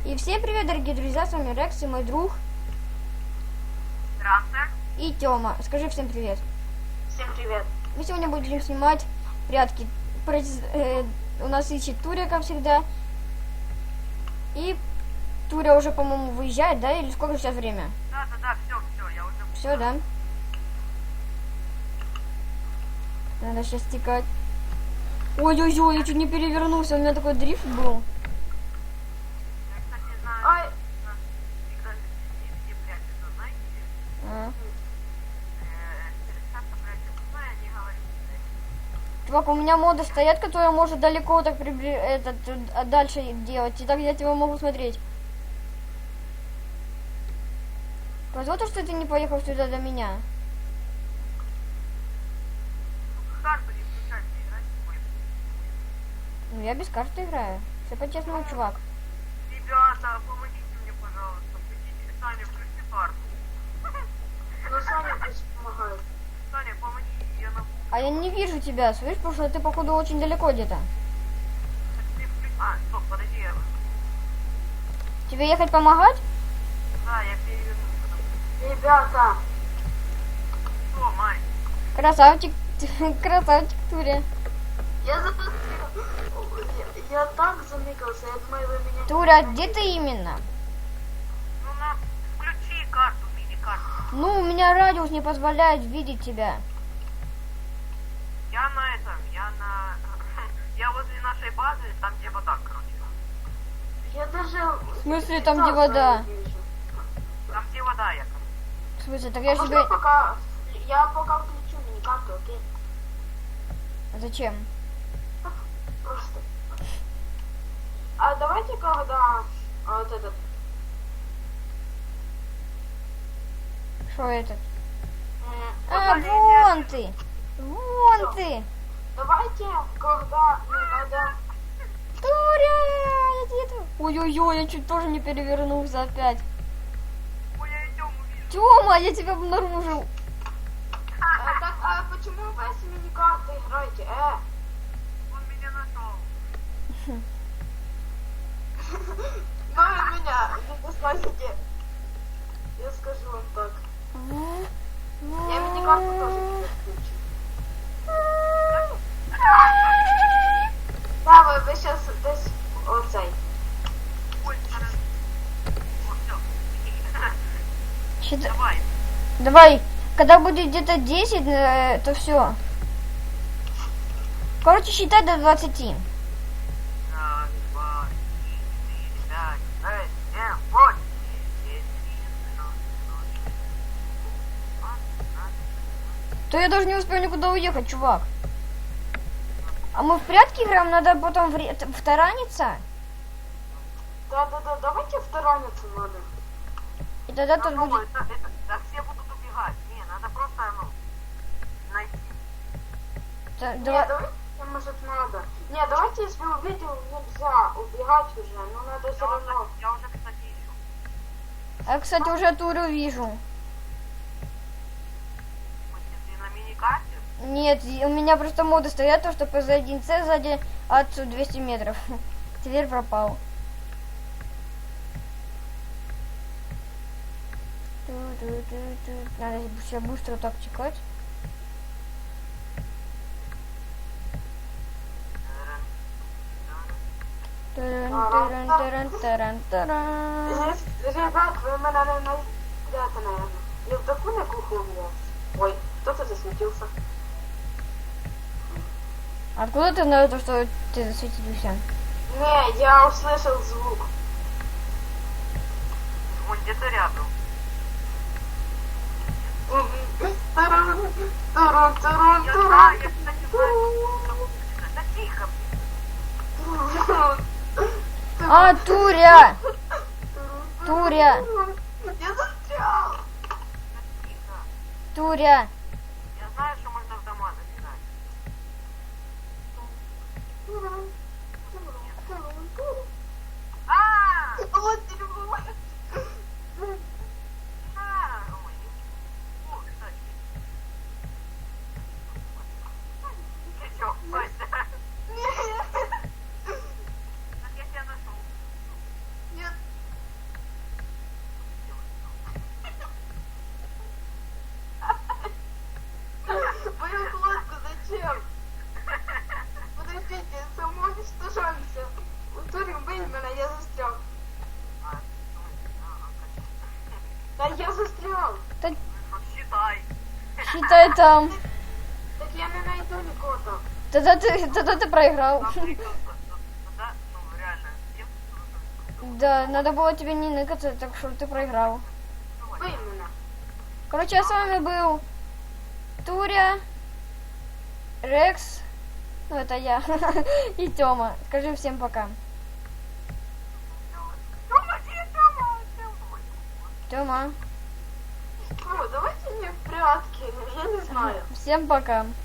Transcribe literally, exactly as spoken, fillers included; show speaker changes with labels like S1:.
S1: И всем привет, дорогие друзья, с вами Рекс и мой друг.
S2: Здравствуйте.
S1: И Тёма. Скажи всем привет.
S2: Всем привет.
S1: Мы сегодня будем снимать прятки. Произ- э, у нас ищет Туря, как всегда. И Туря уже, по-моему, выезжает, да? Или сколько сейчас время?
S2: Да, да, да, все, все, я уже...
S1: Все, да? Надо сейчас стекать. Ой-ой-ой, я чуть не перевернулся, у меня такой дрифт был.
S2: Я, кстати, знаю,
S3: Ай.
S2: у нас всегда везде прячутся, знаете?
S1: А.
S2: Э, часто прячутся, ну, я не говорю.
S1: Чувак, у меня моды стоят, которые может далеко так прибли... этот, а дальше делать. И так я тебя могу смотреть. Повезло то, что ты не поехал сюда до меня.
S2: Карту не включать, не играть в бой.
S1: Ну, я без карты играю. Все по-честному, чувак.
S2: Ребята, помогите мне, пожалуйста. Включите, Саня, включи карту.
S3: Ну, Саня пусть помогает.
S2: Саня, помоги, я на...
S1: А я не вижу тебя, слышь, потому что ты, походу, очень далеко где-то.
S2: Ты включи... А, стоп, подожди, я...
S1: Тебе ехать помогать?
S2: Да, я перевернулся.
S3: Ребята,
S2: Что, Май?
S1: Красавчик, красавчик, Туря.
S3: я застрял. Я, я так замыкался, я думаю, вы меня...
S1: Туря, где ты именно?
S2: Ну, на... Включи карту, мини-карту.
S1: Ну, у меня радиус не позволяет видеть тебя.
S2: Я на этом, я на... Я возле нашей базы, там где вода, короче.
S3: Я даже...
S1: В смысле, там, где вода?
S2: Там где вода, я, короче.
S1: В смысле, так я
S3: Можно
S1: себе...
S3: пока... Я пока включу мини-карту, окей?
S1: Зачем?
S3: Просто. А давайте когда... а, вот этот...
S1: Что этот?
S3: м,
S1: А,
S2: Пока
S1: вон
S2: не
S1: ты! Вон
S3: Всё.
S1: ты!
S3: Давайте, когда... Ну, надо...
S1: Туря! Я где-то... Ой-ой-ой, я чуть тоже не перевернулся опять.
S2: Ой, я идем увижу.
S1: Тёма, я тебя обнаружил.
S3: А, так, а почему вы с мини-картой играете? Э?
S2: Он меня нашел.
S3: Ну и меня, не послушайте. Я скажу вам так. Я мини-карту тоже не включу. Да, ви, ви сейчас десь оцей.
S2: Ой, хорошо. Вот, все.
S1: Щит-
S2: Давай.
S1: Давай, когда будет где-то десять, э, то все. Короче, считай до двадцати.
S2: Раз, два, три, четыре, пять, шесть, семь, восемь, девять, десять, одиннадцать, двенадцать.
S1: То я даже не успел никуда уехать, чувак. А мы в прятки играем, надо потом в, ре- в тараниться.
S3: Да-да-да, давайте втараниться надо.
S1: И тогда тут
S2: Ну,
S1: будет...
S2: это, это, да все будут убегать. Не, надо просто, ну, найти.
S1: та-
S3: Не,
S1: дава-
S3: давайте, может, надо. Не, давайте, если увидел, нельзя убегать уже, но надо все
S2: Я
S3: равно.
S2: уже, я уже, кстати, ищу.
S1: Я, кстати, уже Турю вижу.
S2: Если на мини-карте,
S1: Нет, и у меня просто моды стоят, то что пэ зэ один цэ сзади отцу двести метров. Теперь пропал. Ту-ту-ту-ту. Надо все быстро так чекать. Таран-таран-таран-таран-таран.
S3: Ребят, вы меня не найдете, наверное. Я в такую на кухню влез. Ой, кто-то засветился.
S1: Откуда ты знаешь, то, что ты засветился?
S3: Не, я услышал звук.
S2: он где-то рядом.
S3: Турун, турун, турун,
S2: Я
S3: турун.
S2: знаю, я, кстати, знаю. Да тихо,
S1: А, Туря! Туря!
S3: Я застрял.
S2: тихо.
S1: Туря!
S2: Я знаю, что можно в дома забегать.
S3: Турун, турун, турун, турун.
S2: А!
S3: Вот дерьмо.
S2: А! Ой, не- О, кстати. Ты чё, Костя? Так я тебя нашел.
S3: Нет,
S1: Китай там.
S3: Так я не найду нікого там.
S1: Тогда ты, тогда ты проиграл.
S2: Там прикол, тогда, ну, реально, я тут
S1: Да, надо было тебе не ныкаться, так что ты проиграл.
S3: Ви мене.
S1: Короче, я с вами был Туря, Рекс, ну это я, и Тёма. Скажи всем пока.
S2: Тёма, где Тёма? Тёма.
S1: Тёма,
S3: Ну, давайте не в прятки, я не знаю.
S1: всем пока.